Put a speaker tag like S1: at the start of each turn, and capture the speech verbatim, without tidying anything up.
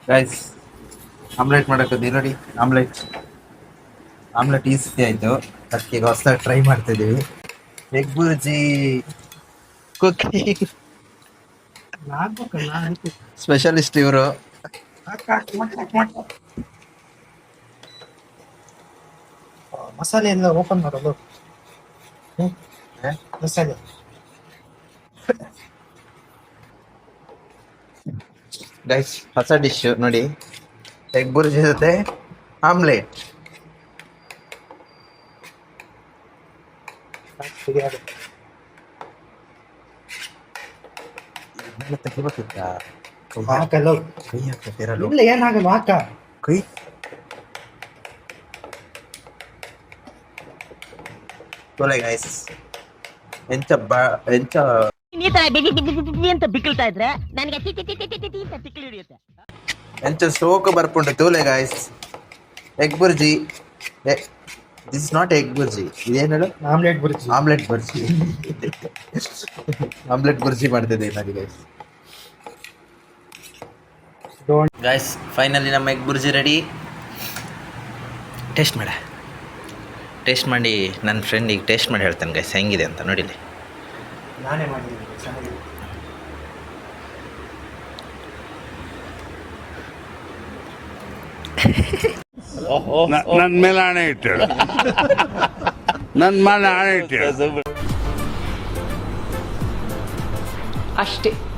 S1: Guys omelette ಮಾಡಕ್ಕೆ ನೋಡಿ. Omelette omelette easy ಆಯಿತು. ಅದಕ್ಕೆ ಈಗ ಹೊಸದಾಗಿ ಟ್ರೈ ಮಾಡ್ತಿದ್ದೀವಿ. ಎಗ್ ಬುರ್ಜಿ ಕುಕಿಂಗ್ ಸ್ಪೆಷಲಿಸ್ಟ್ ಇವರು.
S2: ಮಸಾಲೆ ಎಲ್ಲ ಓಪನ್ ಮಾಡೋದು. ಮಸಾಲೆ
S1: ಗೈಸ್ ಹೊಸ ಡಿಶ್ ನೋಡಿ. ಎಗ್ ಬುರ್ಜಿ ಜೊತೆ ಆಮ್ಲೆಟ್. ತೆಗಿಬೇಕಿತ್ತ
S2: ಹಾಕಲ್ಲ.
S1: ಕೈ ಹಾಕ್ತಿರಲ್ಲ.
S2: ಇಲ್ಲ ಏನಾಗಲ್ಲ ಹಾಕ.
S1: ಕೈ ತೊಲೆ ಗೈಸ್. ಎಂಚ ಬಾ ಎಂಚ
S3: ಈ ತರ ಬಿಗಿ ಬಿಗಿ ಬಿಗಿ ಅಂತ ಬಿಕ್ಕಳ್ತಾ ಇದ್ರೆ ನನಗೆ ಟಿ ಟಿ ಟಿ ಟಿ ಟಿ ಟಿ ಅಂತ ಬಿಕ್ಕಳು ಹಿಡಿಯುತ್ತೆ.
S1: ಎಂಚ ಸೋಕು ಬರ್ಪುಂಡು ತೂಲೆ guys. Egg bhurji. This is not egg bhurji. ಇದೇನು ಹೇಳು?
S2: Omelette bhurji.
S1: Omelette bhurji. Omelette bhurji ಮಾಡ್ತಿದ್ದೆ ನನಗೆ ಗೈಸ್. ಗಾಯ್ಸ್ ಫೈನಲಿ ನಮ್ಮ ಎಗ್ ಬುರ್ಜಿ ರೆಡಿ. ಟೇಸ್ಟ್ ಮಾಡ ಟೇಸ್ಟ್ ಮಾಡಿ ನನ್ನ ಫ್ರೆಂಡಿಗೆ ಟೇಸ್ಟ್ ಮಾಡಿ ಹೇಳ್ತೇನೆ ಗೈಸ್ ಹೆಂಗಿದೆ ಅಂತ ನೋಡಿಲಿ.
S2: ನಾನೇ ಮಾಡಿದ್ದೀನಿ, ಚೆನ್ನಾಗಿದೆ.
S4: ನನ್ನ ಮೇಲೆ ಆಣೆ ಇಟ್ಟೇಳು. ನನ್ನ ಮೇಲೆ ಆಣೆ ಇಟ್ಟೇಳು
S5: ಅಷ್ಟೇ.